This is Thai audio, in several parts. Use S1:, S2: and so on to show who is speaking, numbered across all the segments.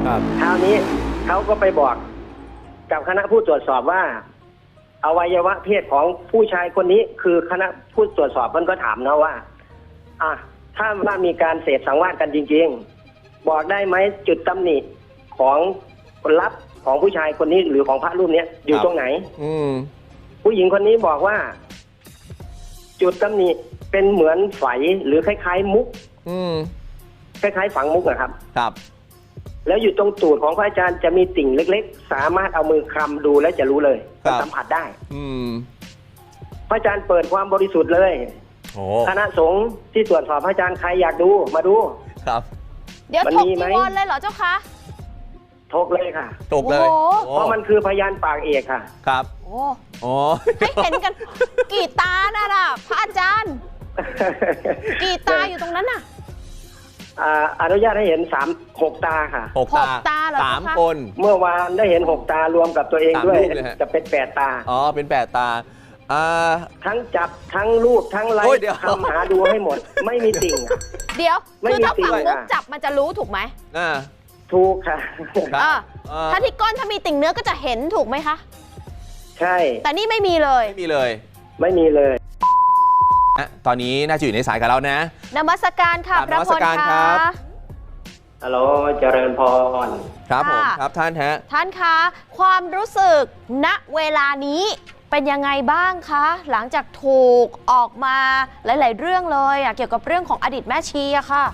S1: คราวนี้เขาก็ไปบอกกับคณะผู้ตรวจสอบว่าอวัยวะเพศของผู้ชายคนนี้คือคณะผู้ตรวจสอบมันก็ถามนะว่าถ้าว่ามีการเสพสังวาสกันจริงๆบอกได้ไหมจุดตำหนิของคนรับของผู้ชายคนนี้หรือของพระรูปนี้อยู่ตรงไหนผู้หญิงคนนี้บอกว่าจุดตำหนิเป็นเหมือนไฝหรือคล้ายๆมุกคล้ายๆฝังมุกนะครับ
S2: ครับ
S1: แล้วอยู่ตรงตูดของพระอาจารย์จะมีติ่งเล็กๆสามารถเอามือคลำดูแล้วจะรู้เลยสัมผัสได้พระอาจารย์เปิดความบริสุทธิ์เลยคณะสงฆ์ที่ตรวจสอบพระอาจารย์ใครอยากดูมาดู
S2: ครับ
S3: เดี๋ยวถกจีวรเลยเหรอเจ้าคะ
S1: ถกเลยค่ะ
S2: ถกเลย
S1: เพราะมันคือพยานปากเอกค่ะ
S2: ครับ
S3: ให้เห็นกันกี่ตาน่ะพระอาจารย์กี่ตาอยู่ตรงนั้นน่ะ
S1: อนุญาตให้เห็น6 ตาค่ะ
S3: 6 ตาเหรอ
S2: 3 คน
S1: เมื่อวานได้เห็น6 ตารวมกับตัวเองด้วยจะเป็น8 ตา
S2: เป็น8 ตา
S1: ทั้งจับทั้งรูปทั้งไล่ทำหาดูให้หมดไม่มีติ่ง
S3: เดี๋ยวคือถ้าฝังมุกจับมันจะรู้ถูกไหม
S1: ถูกค่ะ
S3: ถ้าที่ก้นถ้ามีติ่งเนื้อก็จะเห็นถูกไหมคะ
S1: ใช่
S3: แต่นี่ไม่มีเลย
S2: ไม่มีเลย ตอนนี้น่าจะอยู่ในสายกับเรานะ
S3: นมัสการค่ะพระพลค่ะ
S1: ฮัลโหลเจริญพร
S2: ครับผมครับท่าน
S3: ท่านคะความรู้สึกณเวลานี้เป็นยังไงบ้างคะหลังจากถูกออกมาหลายๆเรื่องเลยเกี่ยวกับเรื่องของอดีตแม่ชีอะค่ะ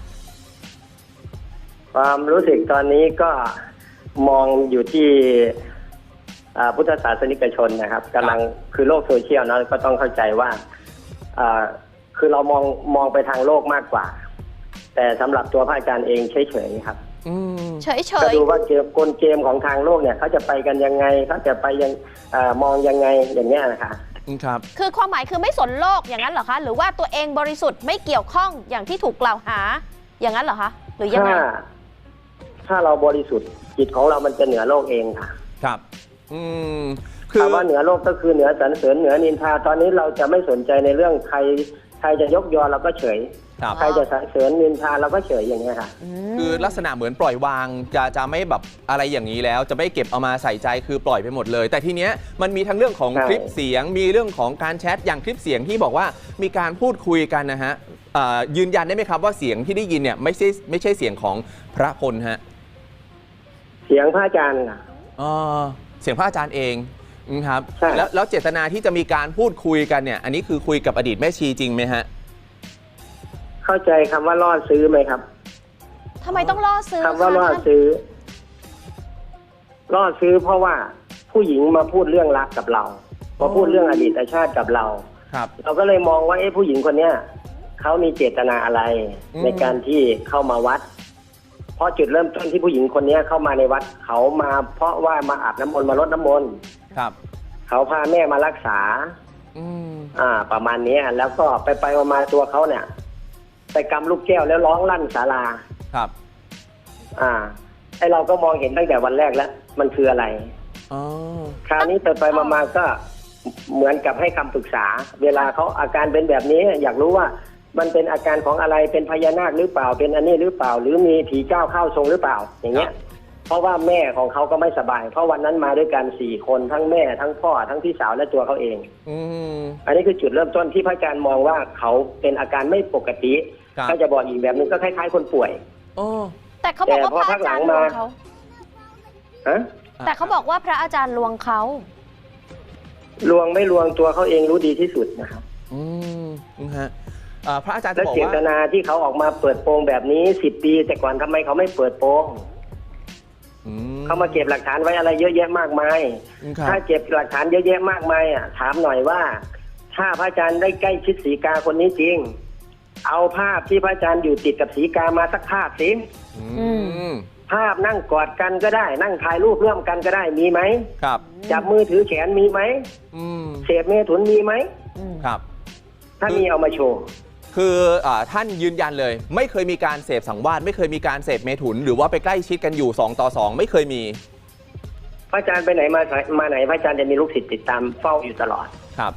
S1: ความรู้สึกตอนนี้ก็มองอยู่ที่พุทธศาสนิกชนนะครับกำลังคือโลกโซเชียลนะก็ต้องเข้าใจว่าคือเรามองไปทางโลกมากกว่าแต่สำหรับตัวพระอาจารย์เองเฉยๆครับ
S3: เฉยๆ
S1: ก็ดูว่ากลเกมของทางโลกเนี่ยเขาจะไปกันยังไงเขาจะไปยังมองยังไงอย่างเงี้ยนะคะ
S2: ครับ
S3: คือความหมายคือไม่สนโลกอย่างนั้นเหรอคะหรือว่าตัวเองบริสุทธิ์ไม่เกี่ยวข้องอย่างที่ถูกกล่าวหาอย่างนั้นเหรอคะหรือยังไง
S1: ถ้าเราบริสุทธิ์จิตของเรามันจะเหนือโลกเองค่ะ
S2: ครับ
S1: คือว่าเหนือโลกก็คือเหนือสรรเสริญเหนือนินทาตอนนี้เราจะไม่สนใจในเรื่องใครจะยกยอเราก็เฉยใครจะสรรเสริญนินทาเราก็เฉยอย่างนี้ค่ะ
S2: คือลักษณะเหมือนปล่อยวางจะไม่แบบอะไรอย่างนี้แล้วจะไม่เก็บเอามาใส่ใจคือปล่อยไปหมดเลยแต่ทีเนี้ยมันมีทั้งเรื่องของคลิปเสียงมีเรื่องของการแชทอย่างคลิปเสียงที่บอกว่ามีการพูดคุยกันนะฮะยืนยันได้ไหมครับว่าเสียงที่ได้ยินเนี่ยไม่ใช่เสียงของพระพลฮะ
S1: เสียงพระอาจารย์ค่ะ
S2: เสียงพระอาจารย์เองครับแล้วเจตนาที่จะมีการพูดคุยกันเนี่ยอันนี้คือคุยกับอดีตแม่ชีจริงไหมฮะ
S1: เข้าใจคำว่าล่อซื้อไหมครับ
S3: ทำไมต้องล่อซื้อ
S1: คำว่าล่อซื้อเพราะว่าผู้หญิงมาพูดเรื่องรักกับเรามาพูดเรื่องอดีตชาติกับเราเราก็เลยมองว่าผู้หญิงคนเนี้ยเขามีเจตนาอะไรในการที่เข้ามาวัดเพราะจุดเริ่มต้นที่ผู้หญิงคนนี้เข้ามาในวัดเขามาเพราะว่ามาอาบน้ำมนต์มารดน้ำมนต์เขาพาแม่มารักษาประมาณนี้แล้วก็ไปมาตัวเขาเนี่ยไปกำลูกแก้วแล้วร้องลั่นศาลาไอเราก็มองเห็นตั้งแต่วันแรกแล้วมันคืออะไรคราวนี้ไปมาก็เหมือนกับให้คำปรึกษาเวลาเขาอาการเป็นแบบนี้อยากรู้ว่ามันเป็นอาการของอะไรเป็นพญานาคหรือเปล่าเป็นอันนี้หรือเปล่าหรือมีผีเจ้าเข้าทรงหรือเปล่าอย่างเงี้ยเพราะว่าแม่ของเขาก็ไม่สบายเพราะวันนั้นมาด้วยกัน4 คนทั้งแม่ทั้งพ่อทั้งพี่สาวและตัวเขาเองอันนี้คือจุดเริ่มต้นที่พระอาจารย์มองว่าเขาเป็นอาการไม่ปกติเขาจะบอกอีกแบบนึงก็คล้ายๆคนป่วย
S3: แต่เขาบอกว่าพระอาจารย์ลวงเขาแต่เขาบอกว่าพระอาจารย์ลวงเขา
S1: ลวงไม่ลวงตัวเขาเองรู้ดีที่สุดนะครับ
S2: พระอาจารย์จะบอกว่า
S1: เจตนาที่เขาออกมาเปิดโปงแบบนี้10 ปีแต่ก่อนทำไมเขาไม่เปิดโปงเขามาเก็บหลักฐานไว้อะไรเยอะแยะมากมายถ้าเก็บหลักฐานเยอะแยะมากมายถามหน่อยว่าถ้าพระอาจารย์ได้ใกล้ชิดศรีกาคนนี้จริงเอาภาพที่พระอาจารย์อยู่ติดกับศรีกามาสักภาพสิภาพนั่งกอดกันก็ได้นั่งถ่ายรูปร่วมกันก็ได้มีไหม
S2: ครับ
S1: จับมือถือแขนมีไหมเสพเมถุนมีไหม
S2: ครับ
S1: ถ้ามีเอามาโชว์
S2: คือท่านยืนยันเลยไม่เคยมีการเสพสังวาสไม่เคยมีการเสพเมถุนหรือว่าไปใกล้ชิดกันอยู่2 ต่อ 2ไม่เคยมี
S1: พระอาจารย์ไปไหนมาไหนพระอาจารย์จะมีลูกศิษย์ติดตามเฝ้าอยู่ตลอด
S2: ครับ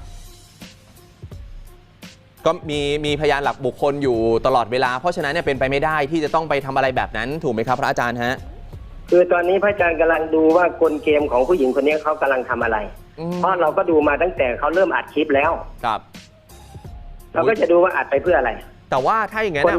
S2: ก็มีพยานหลักบุคคลอยู่ตลอดเวลาเพราะฉะนั้นเนี่ยเป็นไปไม่ได้ที่จะต้องไปทำอะไรแบบนั้นถูกไหมครับพระอาจารย์ฮะ
S1: คือตอนนี้พระอาจารย์กำลังดูว่ากลเกมของผู้หญิงคนนี้เขากำลังทำอะไร เพราะเราก็ดูมาตั้งแต่เขาเริ่มอัดคลิปแล้ว
S2: ครับ
S1: เราก็จะดูว่าอัดไปเพื่ออะไร
S2: แต่ว่าถ้าอย่างนั้น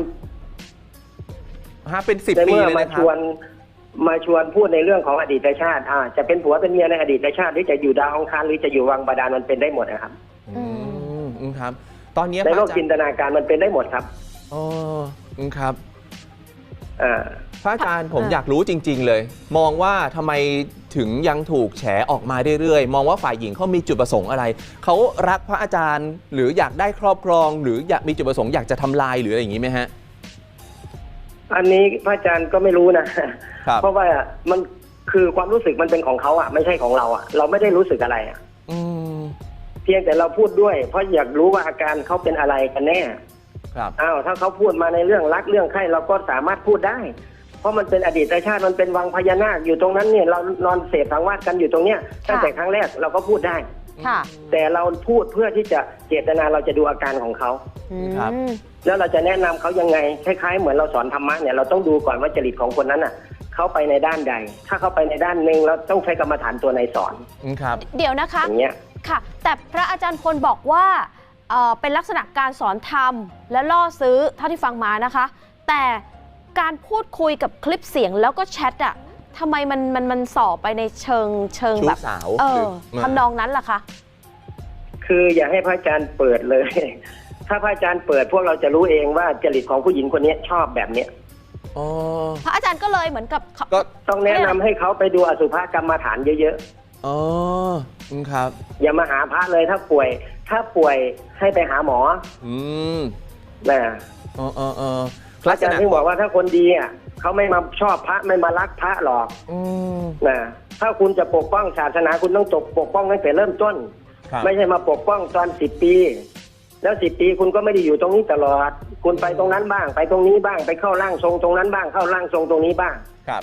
S2: เป็น10
S1: ใน
S2: ปี
S1: เมื่อ
S2: เลย
S1: มา
S2: นะค
S1: ช
S2: รับ
S1: วนพูดในเรื่องของอดีตชาติจะเป็นผัวเป็นเมียในอดีตชาติหรือจะอยู่ดาวอังคารหรือจะอยู่วังบาดาลมันเป็นได้หมดนะครับ
S2: ครับ ตอนนี้
S1: ในโลกจินตนาการมันเป็นได้หมดครับ
S2: อ๋อครับ
S1: อ่า
S2: พระอาจารย์ผมอยากรู้จริง ๆ เลย มองว่าทำไมถึงยังถูกแฉออกมาเรื่อยๆมองว่าฝ่ายหญิงเขามีจุดประสงค์อะไรเขารักพระอาจารย์หรืออยากได้ครอบครองหรืออยากมีจุดประสงค์อยากจะทำลายหรืออะไรอย่างนี้ไหมฮะ
S1: อันนี้พระอาจารย์ก็ไม่รู้นะ เพราะว่ามันคือความรู้สึกมันเป็นของเขาไม่ใช่ของเราเราไม่ได้รู้สึกอะไรเพียงแต่เราพูดด้วยเพราะอยากรู้ว่าอาการเขาเป็นอะไรกันแน่
S2: ครับ
S1: ถ้าเขาพูดมาในเรื่องรักเรื่องใคร่เราก็สามารถพูดได้ เพราะมันเป็นอดีตชาติมันเป็นวังพญานาคอยู่ตรงนั้นเนี่ยเรานอนเสพสังวาสกันอยู่ตรงเนี้ยตั้งแต่ครั้งแรกเราก็พูดได้แต่เราพูดเพื่อที่จะเจตนาเราจะดูอาการของเขา
S2: ครับ
S1: แล้วเราจะแนะนำเขายังไงคล้ายๆเหมือนเราสอนธรรมะเนี่ยเราต้องดูก่อนว่าจริตของคนนั้นเขาไปในด้านใดถ้าเขาไปในด้านหนึ่งเราต้องใช้กรรมฐานตัวไหนสอน
S2: ครับ
S3: เดี๋ยวนะคะ
S1: อย่างเงี้ย
S3: ค่ะแต่พระอาจารย์พลบอกว่าเป็นลักษณะการสอนธรรมและล่อซื้อเท่าที่ฟังมานะคะแต่การพูดคุยกับคลิปเสียงแล้วก็แชททำไมมันส่อไปในเชิงแบบ
S2: สาว
S3: ทำนองนั้นล่ะคะ
S1: คืออย่าให้พระอาจารย์เปิดเลย ถ้าพระอาจารย์เปิดพวกเราจะรู้เองว่าจริตของผู้หญิงคนนี้ชอบแบบเนี้ย
S3: พระอาจารย์ก็เลยเหมือนกับ
S1: ก็ต้องแนะนำให้เขาไปดูอสุภกรรมฐานเยอะ
S2: ๆครับ
S1: อย่ามาหาพระเลยถ้าป่วยให้ไปหาหมอนะพระอาจารย์ที่บอกว่าถ้าคนดีเขาไม่มาชอบพระไม่มารักพระหรอกนะถ้าคุณจะปกป้องศาสนาคุณต้องปกป้องตั้งแต่เริ่มต้นไม่ใช่มาปกป้องตอน10 ปีแล้ว10 ปีคุณก็ไม่ได้อยู่ตรงนี้ตลอดคุณไปตรงนั้นบ้างไปตรงนี้บ้างไปเข้าร่างทรงตรงนั้นบ้างเข้าร่างทรงตรงนี้บ้าง
S2: ครับ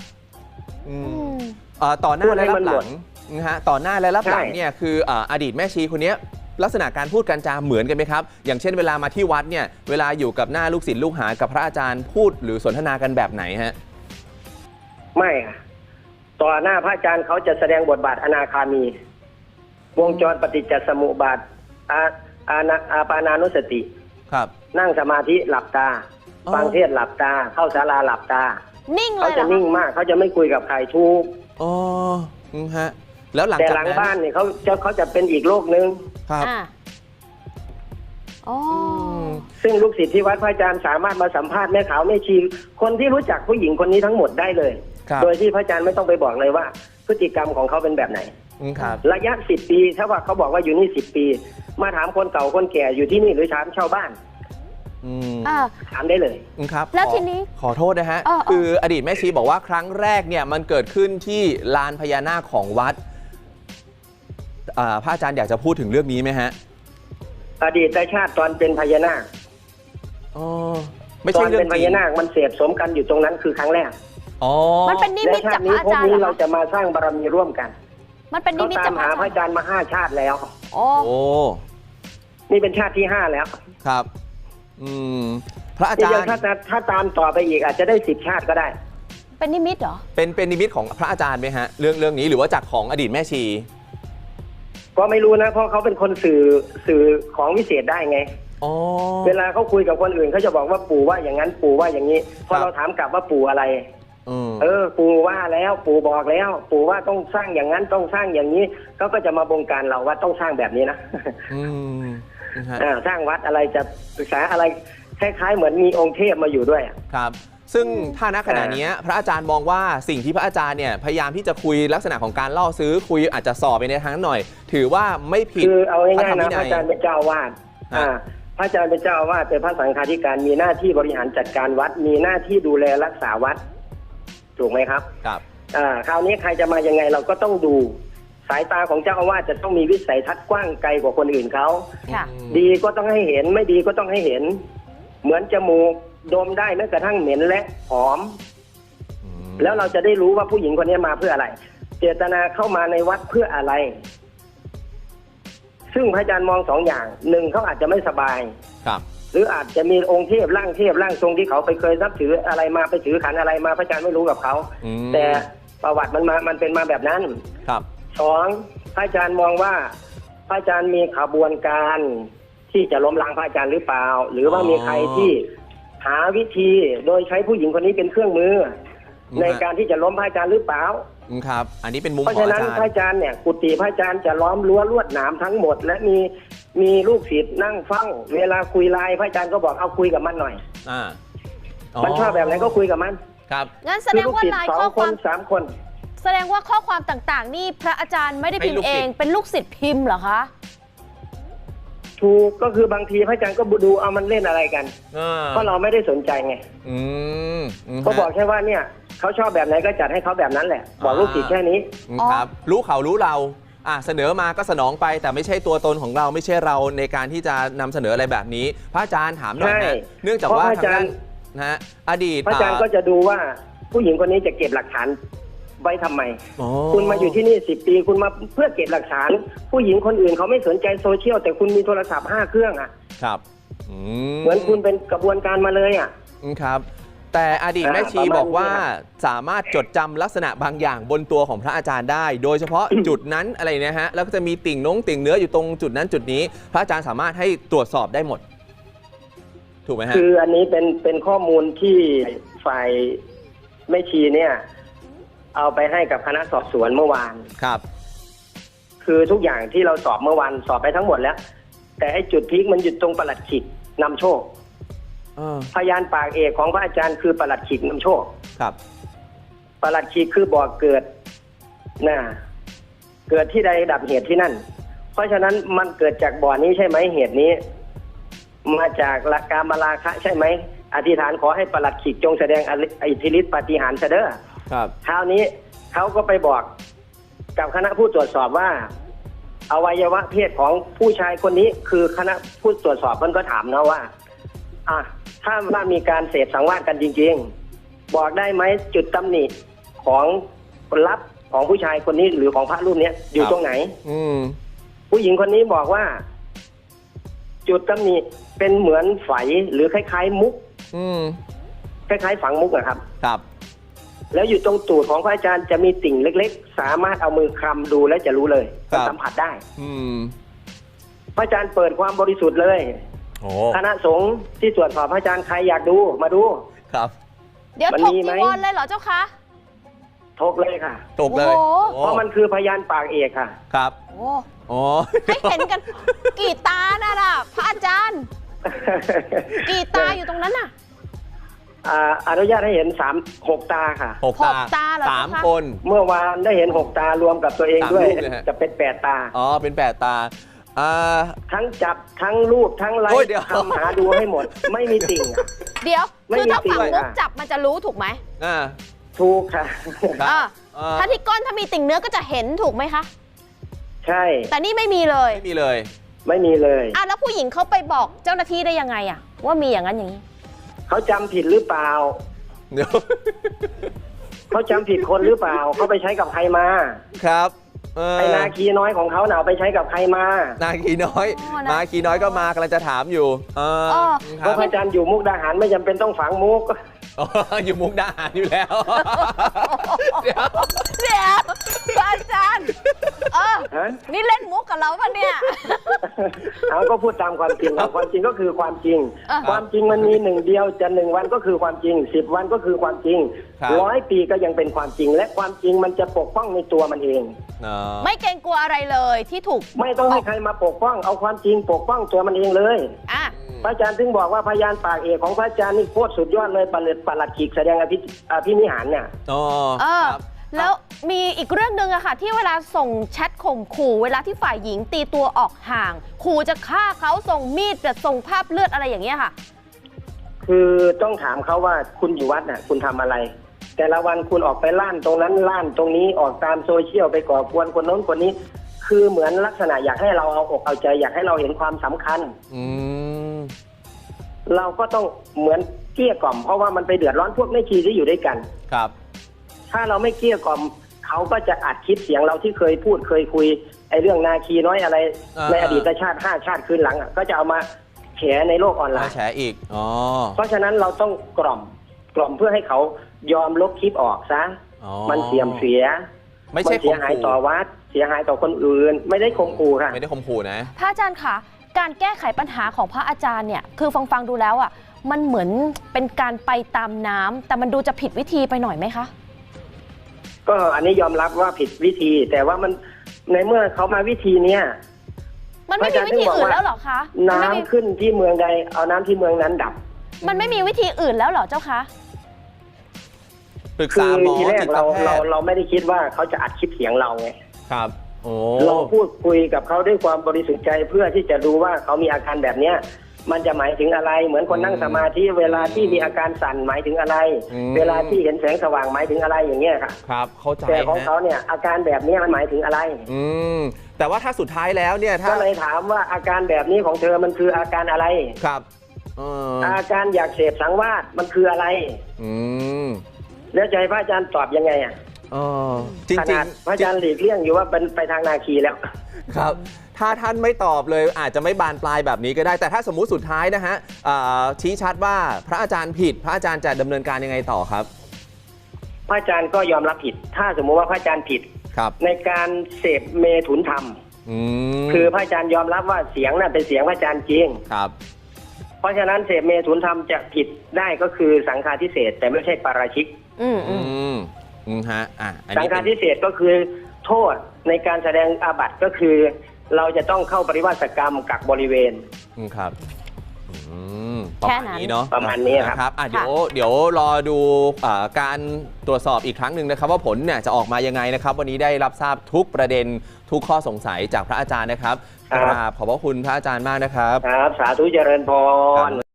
S2: ต่อหน้าและรับหลังนะฮะต่อหน้าและรับหลังเนี่ยคืออดีตแม่ชีคนนี้ลักษณะการพูดการจาเหมือนกันไหมครับอย่างเช่นเวลามาที่วัดเนี่ยเวลาอยู่กับหน้าลูกศิษย์ลูกหากับพระอาจารย์พูดหรือสนทนากันแบบไหนฮะ
S1: ไม่ต่อหน้าพระอาจารย์เขาจะแสดงบทบาทอนาคามีวงจรปฏิจจสมุปบาทอาปานานุสติ
S2: ครับ
S1: นั่งสมาธิหลับตาฟังเทศหลับตาเข้าศาลาหลับตา
S3: นิ่งเลย
S1: เขาจะนิ่งมากเขาจะไม่คุยกับใครทุก
S2: ฮะแล้วหลัง
S1: แต่หลังบ้านเนี่ยเขาจะเป็นอีกโลกนึง
S2: ครับ
S1: ซึ่งลูกศิษย์ที่วัดพระอาจารย์สามารถมาสัมภาษณ์แม่ขาวแม่ชีคนที่รู้จักผู้หญิงคนนี้ทั้งหมดได้เลยโดยที่พระอาจารย์ไม่ต้องไปบอกเลยว่าพฤติกรรมของเขาเป็นแบบไหนระยะ10 ปีถ้าว่าเขาบอกว่าอยู่นี่10 ปีมาถามคนเก่าคนแก่อยู่ที่นี่หรือถามชาวบ้านถามได้เลย
S2: ครับ
S3: แล้วทีนี้
S2: ขอโทษนะฮะคืออดีตแม่ชีบอกว่าครั้งแรกเนี่ยมันเกิดขึ้นที่ลานพญานาคของวัดพระอาจารย์อยากจะพูดถึงเรื่องนี้ไหมฮะ
S1: อดีตชาติตอนเป็นพญานาค
S2: ไม่ใช่เรื่องจริง
S1: ตอนเป็นพญานาคมันเสพสมกันอยู่ตรงนั้นคือครั้งแรก
S3: มันเป็นนิมิตจากพระอาจารย์
S1: นี้เราจะมาสร้างบารมีร่วมกัน
S3: มันเป็นนิมิตจาก
S1: พระอาจารย์มา5 ชาติแล้วนี่เป็นชาติที่ 5แล้ว
S2: ครับพระอาจารย์
S1: ถ้าตามต่อไปอีกอาจจะได้10 ชาติก็ได้
S3: เป็นนิมิตเหรอ
S2: เป็นนิมิตของพระอาจารย์ไหมฮะเรื่องนี้หรือว่าจากของอดีตแม่ชี
S1: ก็ไม่รู้นะเพราะเขาเป็นคนสื่อของวิเศษได้ไงเวลาเขาคุยกับคนอื่นเขาจะบอกว่าปู่ว่าอย่างนั้นปู่ว่าอย่างนี้พอเราถามกลับว่าปู่อะไรปู่ว่าแล้วปู่บอกแล้วปู่ว่าต้องสร้างอย่างนั้นต้องสร้างอย่างนี้เขาก็จะมาบงการเราว่าต้องสร้างแบบนี้นะสร้างวัดอะไรจะศึกษาอะไรคล้ายๆเหมือนมีองค์เทพมาอยู่ด้วย
S2: ครับซึ่งถ้าณขณะนี้พระอาจารย์มองว่าสิ่งที่พระอาจารย์เนี่ยพยายามที่จะคุยลักษณะของการล่อซื้อคุยอาจจะส่อไปในทางหน่อยถือว่าไม่ผิด
S1: คือเอาง่ายๆนะพระอาจารย์เป็นเจ้าอาวาสพระอาจารย์เป็นเจ้าอาวาสเป็นพระสังฆาธิการมีหน้าที่บริหารจัดการวัดมีหน้าที่ดูแลรักษาวัดถูกไหมครับ
S2: ครับ
S1: คราวนี้ใครจะมายังไงเราก็ต้องดูสายตาของเจ้าอาวาสจะต้องมีวิสัยทัศน์กว้างไกลกว่าคนอื่นเขาดีก็ต้องให้เห็นไม่ดีก็ต้องให้เห็นเหมือนจมูกดมได้แม้กระทั่งเหม็นและหอมแล้วเราจะได้รู้ว่าผู้หญิงคนนี้มาเพื่ออะไรเจตนาเข้ามาในวัดเพื่ออะไรซึ่งพระอาจารย์มอง2 อย่าง1เขาอาจจะไม่สบาย
S2: ครับ
S1: หรืออาจจะมีองค์เทพร่างทรงที่เขาไปเคยนับถืออะไรมาไปถือขันอะไรมาพระอาจารย์ไม่รู้กับเขาแต่ประวัติมันเป็นมาแบบนั้น
S2: ครับ
S1: สองพระอาจารย์มองว่าพระอาจารย์มีขบวนการที่จะล้มล้างพระอาจารย์หรือเปล่า หรือว่ามีใครที่หาวิธีโดยใช้ผู้หญิงคนนี้เป็นเครื่องมือในการที่จะล้มพระอาจารย์หรือเปล่า
S2: ครับ อันนี้เป็นมุม
S1: เพ
S2: ของ
S1: ราะฉะ
S2: อา
S1: นั้น
S2: จาร
S1: พระ
S2: ย์
S1: อาจารย์เนี่ยกุฏิพระอาจารย์จะล้อมรั้วลวดหนามทั้งหมด และมีลูกศิษย์นั่งเฝ้าเวลาคุยไลน์พระอาจารย์ก็บอกเอาคุยกับมันหน่อย มันชอบแบบไหนก็คุยกับมัน
S2: ครับ
S3: งั้นแสดงว่าไลน์
S1: สอ
S3: ข้อง
S1: ค
S3: ควาน ม
S1: สามคน
S3: แสดงว่าข้อความต่างๆ นี่พระอาจารย์ไม่ได้พิมพ์เอง เป็นลูกศิษย์พิมพ์เหรอคะ
S1: ถูกก็คือบางทีพระอาจารย์ก็ดูเอามันเล่นอะไรกันเพราะเราไม่ได้สนใจไงก็บอกแค่ว่าเนี่ยเขาชอบแบบไหนก็จัดให้เขาแบบนั้นแหละ บอกลูกศิษย์แค่นี้
S2: ครับรู้เขารู้เราเสนอมาก็สนองไปแต่ไม่ใช่ตัวตนของเราไม่ใช่เราในการที่จะนำเสนออะไรแบบนี้พระอาจารย์ถามหน่อยนะเนื่องจากว่าทางด้านนะฮะอดีต
S1: พระอาจารย์ก็จะดูว่าผู้หญิงคนนี้จะเก็บหลักฐานไว้ทำไม
S2: อ๋อ
S1: คุณมาอยู่ที่นี่10 ปีคุณมาเพื่อเก็บหลักฐาน ผู้หญิงคนอื่นเขาไม่สนใจโซเชียลแต่คุณมีโทรศัพท์5 เครื่องอ่ะ
S2: ครับ
S1: เหมือนคุณเป็นกระบวนการมาเลยอ่ะ
S2: ครับ แต่อดีตแม่ชี
S1: ประมาณ
S2: บอกว่า
S1: นี้
S2: สามารถจดจำลักษณะบางอย่างบนตัวของพระอาจารย์ได้ โดยเฉพาะ จุดนั้นอะไรเนี่ยฮะแล้วก็จะมีติ่งเนื้ออยู่ตรงจุดนั้นจุดนี้ พระอาจารย์สามารถให้ตรวจสอบได้หมด ถูกไหมฮะ
S1: คืออันนี้เป็นข้อมูลที่ฝ่ายแม่ชีเนี่ยเอาไปให้กับคณะสอบสวนเมื่อวาน
S2: ครับ
S1: คือทุกอย่างที่เราสอบเมื่อวานสอบไปทั้งหมดแล้ว แต่ไอ้จุดพีคมันอยู่ตรงปลัดขิกนำโชคพยานปากเอกของพระอาจารย์คือปลัดขิกนำโชค
S2: ครับ
S1: ปลัดขิกคือบ่อเกิดนะเกิดที่ใดดับเหตุที่นั่น เพราะฉะนั้นมันเกิดจากบ่อนี้ใช่ไหมเหตุนี้ มาจากหลักการมาราคะใช่ไหมอธิษฐานขอให้ปลัดขิกจงแสดงอิทธิฤทธิปาฏิหาริย์เสด็จ
S2: ครับ
S1: คราวนี้เขาก็ไปบอกกับคณะผู้ตรวจสอบว่าอวัยวะเพศของผู้ชายคนนี้คือคณะผู้ตรวจสอบมันก็ถามนะว่าถ้าว่ามีการเสพสังวาสกันจริงๆบอกได้ไหมจุดตำหนิของคนรับของผู้ชายคนนี้หรือของพระรูปนี้อยู่ตรงไหนผู้หญิงคนนี้บอกว่าจุดตำหนิเป็นเหมือนไฝหรือคล้ายๆมุกคล้ายๆฝังมุกนะครับ
S2: ครับ
S1: แล้วอยู่ตรงตูดของพระอาจารย์จะมีติ่งเล็กๆสามารถเอามือคลำดูแล้วจะรู้เลยสัมผัสได้พระอาจารย์เปิดความบริสุทธิ์เลยคณะสงฆ์ที่ตรวจสอบพระอาจารย์ใครอยากดูมาดู
S2: ครับ
S3: เดี๋ยวถกจีวรเลยเหรอเจ้าคะ
S1: ถกเลยค่ะ
S2: ถกเลย
S1: เพราะมันคือพยานปากเอกค่ะ
S2: ครับ
S3: ให้เห็นกันกี่ตาน่ะพระอาจารย์กี่ตาอยู่ตรงนั้นน่ะ
S1: อนุญาตให้เห็น6 ตาค่ะ
S3: 6 ตาเหรอ
S2: 3 คน
S1: เมื่อวานได้เห็น6 ตารวมกับตัวเองด้วยจะเป็น8 ตา
S2: เป็น8 ตา
S1: ทั้งจับทั้งรูปทั้งไลฟ์ทำหาดูให้หมดไม่มีติ่ง
S3: เดี๋ยวคือถ้าฝั่งมุกจับมันจะรู้ถูกไหม
S1: ถูกค่ะ
S3: ถ้าที่ก้นถ้ามีติ่งเนื้อก็จะเห็นถูกไหมคะ
S1: ใช่
S3: แต่นี่ไม่มีเลย
S2: ไม่มีเลย
S3: แล้วผู้หญิงเขาไปบอกเจ้าหน้าที่ได้ยังไงว่ามีอย่างนั้นอย่างนี้
S1: เขาจำผิดหรือเปล่า
S2: เดี๋ยว
S1: เขาจำผิดคนหรือเปล่าเขาไปใช้กับใครมา
S2: ครับ
S1: ไอ้นาคีน้อยของเขาหนาวไปใช้กับใครมา
S2: นาคีน้อยก็มากำลังจะถามอยู่
S1: เพราะพระอาจารย์อยู่มุกดาหารไม่จำเป็นต้องฝังมุก
S2: อยู่มุกดาหารอยู่แล้ว
S3: เดี๋ยวอาจารย์นี่เล่นมุกกับเราป่ะเนี่ย
S1: เอาก็พูดตามความจริงความจริงก็คือความจริงความจริงมันมี1 เดียวจะ1 วันก็คือความจริง10 วันก็คือความจริง100 ปีก็ยังเป็นความจริงและความจริงมันจะปกป้องในตัวมันเอง
S3: ไม่เกรงกลัวอะไรเลยที่ถูก
S1: ไม่ต้องให้ใครมาปกป้องเอาความจริงปกป้องตัวมันเองเลยพระอาจารย์ถึงบอกว่าพยานปากเอกของพระอาจารย์นี่โคตรสุดยอดเลยปลัดขิกแสดงอภินิหารเนี่ย
S3: แล้วมีอีกเรื่องหนึ่งอะค่ะที่เวลาส่งแชทข่มขู่เวลาที่ฝ่ายหญิงตีตัวออกห่างขู่จะฆ่าเขาส่งมีดแบบส่งภาพเลือดอะไรอย่างเงี้ยค่ะ
S1: คือต้องถามเขาว่าคุณอยู่วัดน่ะคุณทำอะไรแต่ละวันคุณออกไปล่านตรงนั้นล่านตรงนี้ออกตามโซเชียลไปก่อกวนคนโน้นคนนี้คือเหมือนลักษณะอยากให้เราเอาอกเอาใจอยากให้เราเห็นความสำคัญเราก็ต้องเหมือนเกลี้ยกล่อมเพราะว่ามันไปเดือดร้อนพวกแม่ชีที่อยู่ด้วยกัน
S2: ครับ
S1: ถ้าเราไม่เกลี้ยกล่อมเขาก็จะอัดคลิปเสียงเราที่เคยพูดเคยคุยไอ้เรื่องนาคีน้อยอะไรในอดีตชาติ5 ชาติคืนหลังก็จะเอามาแฉในโลกออนไลน์
S2: แฉอีก
S1: เพราะฉะนั้นเราต้องกล่อมเพื่อให้เขายอมลบคลิปออกซะ
S2: อ๋อ
S1: มันเสื่อมเสีย
S2: ไม่ใช่
S1: นเสียหายต่อวัดเสียหายต่อคนอื่น ไม่ได้ข่มขู่ค่ะ
S2: ไม่ได้ข่มขู่นะ
S3: พระอาจารย์คะการแก้ไขปัญหาของพระอาจารย์เนี่ยคือฟังดูแล้วอ่ะมันเหมือนเป็นการไปตามน้ำแต่มันดูจะผิดวิธีไปหน่อยไหมคะ
S1: ก็อันนี้ยอมรับว่าผิดวิธี แต่ว่ามันในเมื่อเขามาวิธีเนี้ย
S3: มันไม่มีวิธีอื่นแล้วเหรอคะ
S1: น้ำขึ้นที่เมืองใดเอาน้ำที่เมืองนั้นดับ
S3: มันไม่มีวิธีอื่นแล้วเหรอเจ้าคะ
S2: ปรึก
S1: คื
S2: ษา
S1: อ
S2: หมอ
S1: ทีแร
S2: จิ
S1: ก
S2: ต
S1: เรา
S2: แพทย์
S1: ไม่ได้คิดว่าเขาจะอัดคลิปเสียงเราไง
S2: ครับ โอ้
S1: เราพูดคุยกับเขาด้วยความบริสุทธิ์ใจเพื่อที่จะดูว่าเขามีอาการแบบเนี้ยมันจะหมายถึงอะไร เหมือนคนนั่งสมาธิเวลาที่มีอาการสั่นหมายถึงอะไร เวลาที่เห็นแสงสว่างหมายถึงอะไรอย่างเงี้ยค่ะ
S2: ครับเข้าใจ
S1: แต่ของ
S2: ฮะ
S1: เขาเนี่ยอาการแบบนี้มันหมายถึงอะไร
S2: อืมแต่ว่าถ้าสุดท้ายแล้วเนี่ยถ้า
S1: ก็เลยถามว่าอาการแบบนี้ของเธอมันคืออาการอะไร
S2: ครับอ
S1: อาการอยากเสพสังวาสมันคืออะไร
S2: อืม
S1: แล้วจะให้พระอาจารย์ตอบยังไงอ่ะ
S2: จริง
S1: ขนาดพระอาจารย์หลีกเลี่ยงอยู่ว่าเป็นไปทางนาคีแล้ว
S2: ครับ ถ้าท่านไม่ตอบเลยอาจจะไม่บานปลายแบบนี้ก็ได้ แต่ถ้าสมมุติสุดท้ายนะฮะชี้ชัดว่าพระอาจารย์ผิด พระอาจารย์จะดำเนินการยังไงต่อครับ
S1: พระอาจารย์ก็ยอมรับผิด ถ้าสมมุติว่าพระอาจารย์ผิด
S2: ครับ
S1: ในการเสพเมถุนธรรม คือพระอาจารย์ยอมรับว่าเสียงนั้นเป็นเสียงพระอาจารย์จริง
S2: ครับ
S1: เพราะฉะนั้นเสพเมถุนธรรมจะผิดได้ก็คือสังฆาทิเศษแต่ไม่ใช่ปาราชิก
S2: ฮะอัน
S1: สัง
S2: นี้
S1: ฆาทิเศษก็คือโทษในการแสดงอาบัติก็คือ เราจะต้องเข้าปริวาสกรรมกักบริเวณ
S2: ครับประ
S3: แค่
S2: มาณ
S3: นั้น
S2: นี้เนาะ
S1: ประมาณนี้ครับ
S2: เดี๋ยวรอดูการตรวจสอบอีกครั้งหนึ่งนะครับ ว่าผลเนี่ยจะออกมายังไงนะครับ วันนี้ได้รับทราบทุกประเด็นทุกข้อสงสัยจากพระอาจารย์นะครับขอบพระคุณพระอาจารย์มากนะครับ
S1: ครับ สาธุเจริญพร